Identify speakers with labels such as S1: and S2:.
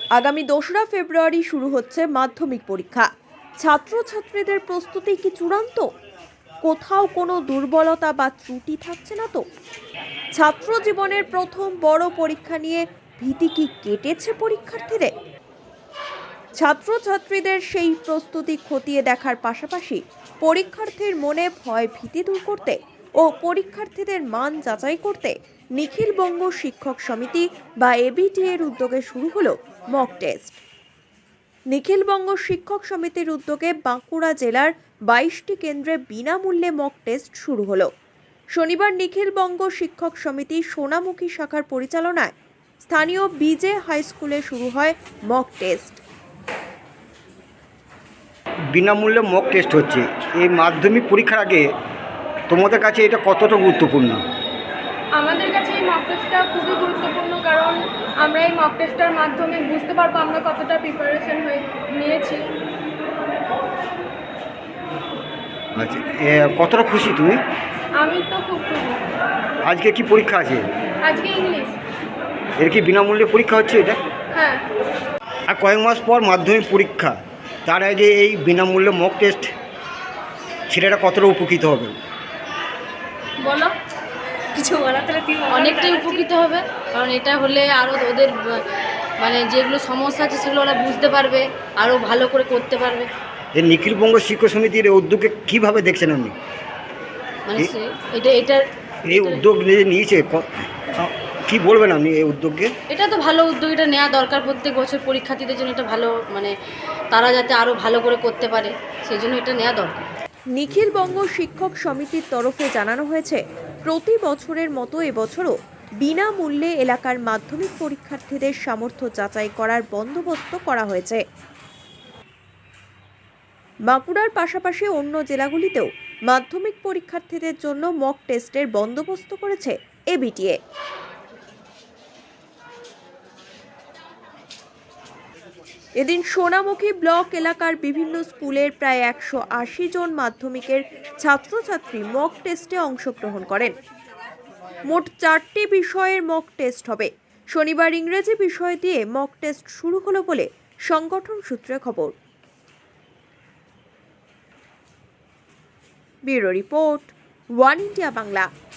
S1: আগামী 2রা ফেব্রুয়ারি শুরু হচ্ছে মাধ্যমিক পরীক্ষা। ছাত্রছাত্রীদের প্রস্তুতি কি চূড়ান্ত? কোথাও কোনো দুর্বলতা বা ত্রুটি থাকছে না তো? ছাত্র জীবনের প্রথম বড় পরীক্ষা নিয়ে ভীতি কি কেটেছে পরীক্ষার্থীদের? ছাত্রছাত্রীদের সেই প্রস্তুতি খতিয়ে দেখার পাশাপাশি পরীক্ষার্থীর মনে ভয় ভীতি দূর করতে ও পরীক্ষার্থীদের মান যাচাই করতে নিখিল বঙ্গ শিক্ষক সমিতি বা এবিটি এর উদ্যোগে শুরু হলো মক টেস্ট। নিখিল বঙ্গ শিক্ষক সমিতির উদ্যোগে বাঁকুড়া জেলার 22টি কেন্দ্রে বিনামূল্যে মক টেস্ট শুরু হলো। শনিবার নিখিল বঙ্গ শিক্ষক সমিতি সোনামুখী শাখার পরিচালনায় স্থানীয় বিজে হাই স্কুলে শুরু হয় মক টেস্ট।
S2: বিনামূল্যে মক টেস্ট হচ্ছে এই মাধ্যমিক পরীক্ষার আগে, তোমাদের কাছে এটা কতটা গুরুত্বপূর্ণ?
S3: আমাদের কাছে এই মক টেস্টটা খুবই গুরুত্বপূর্ণ, কারণ আমরা এই মক টেস্টটার মাধ্যমে বুঝতে পারবো আমরা কতটা প্রিপারেশন হয়ে নিয়েছি।
S2: আচ্ছা, কতটা খুশি তুমি?
S3: আমি তো খুব খুশি।
S2: আজকে কি পরীক্ষা আছে?
S3: আজকে ইংলিশ।
S2: এর কি বিনামূল্যে পরীক্ষা হচ্ছে এটা?
S3: হ্যাঁ।
S2: আর কয়েক মাস পর মাধ্যমিক পরীক্ষা, তার আগে এই বিনামূল্যে মক টেস্ট ছেলেরা কতটা উপকৃত হবে?
S3: বলো কিছু বলা। তাহলে
S4: অনেকটাই উপকৃত হবে, কারণ এটা হলে আরও ওদের মানে যেগুলো সমস্যা আছে সেগুলো ওরা বুঝতে পারবে, আরও ভালো করে করতে পারবে।
S2: এই নিখিল বঙ্গ শিক্ষক সমিতির এই উদ্যোগে কীভাবে দেখছেন আপনি?
S4: মানে এটা
S2: এই উদ্যোগ নিয়েছে, কি বলবেন আপনি এই উদ্যোগকে?
S4: এটা তো ভালো উদ্যোগ, এটা নেওয়া দরকার প্রত্যেক বছর পরীক্ষার্থীদের জন্য। এটা ভালো, মানে তারা যাতে আরও ভালো করে করতে পারে সেই জন্য এটা নেওয়া দরকার।
S1: নিখিল বঙ্গ শিক্ষক সমিতির তরফে জানানো হয়েছে, প্রতি বছরের মতো এবছরও বিনামূল্যে এলাকার মাধ্যমিক পরীক্ষার্থীদের সামর্থ্য যাচাই করার বন্দোবস্ত করা হয়েছে। বাঁকুড়ার পাশাপাশি অন্য জেলাগুলিতেও মাধ্যমিক পরীক্ষার্থীদের জন্য মক টেস্টের বন্দোবস্ত করেছে এবিটিএ। এদিন সোনামুখী ব্লক এলাকার বিভিন্ন স্কুলের প্রায় 180 জন মাধ্যমিকের ছাত্রছাত্রী মক টেস্টে অংশগ্রহণ করেন। মোট 4টি বিষয়ের মক টেস্ট হবে। শনিবার ইংরেজি বিষয় দিয়ে মক টেস্ট শুরু হলো বলে সংগঠন সূত্রে খবর। Bureau report, one India Bangla.